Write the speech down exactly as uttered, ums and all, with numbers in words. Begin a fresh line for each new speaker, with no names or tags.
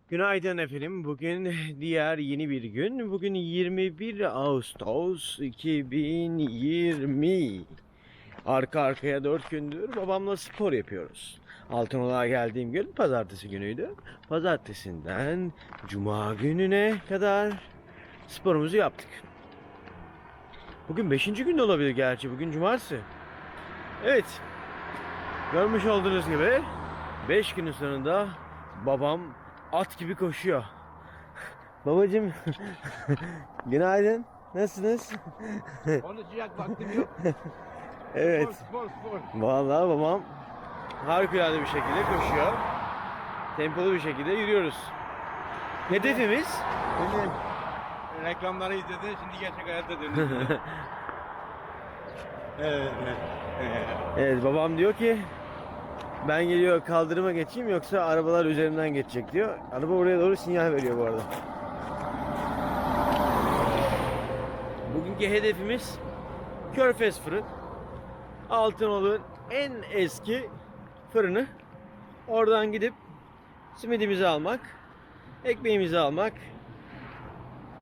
Günaydın efendim. Bugün diğer yeni bir gün. Bugün yirmi bir Ağustos iki bin yirmi. Arka arkaya dört gündür babamla spor yapıyoruz. Altınoluk'a geldiğim gün pazartesi günüydü. Pazartesinden cuma gününe kadar sporumuzu yaptık. Bugün beşinci gün de olabilir gerçi. Bugün cumartesi. Evet. Görmüş olduğunuz gibi beş günün sonunda babam at gibi koşuyor. Babacım günaydın. Nasılsınız?
Konuşacak vaktim yok.
Evet.
Spor, spor, spor.
Vallahi babam harikulade bir şekilde koşuyor. Tempolu bir şekilde yürüyoruz. Hedefimiz
Şimdi reklamları izledin, şimdi gerçek hayatta dönüyorsun. Evet.
evet babam diyor ki ben geliyor kaldırıma geçeyim yoksa arabalar üzerinden geçecek diyor. Araba oraya doğru sinyal veriyor bu arada. Bugünkü hedefimiz Körfez fırın. Altınoluk'un en eski fırını. Oradan gidip simidimizi almak, ekmeğimizi almak,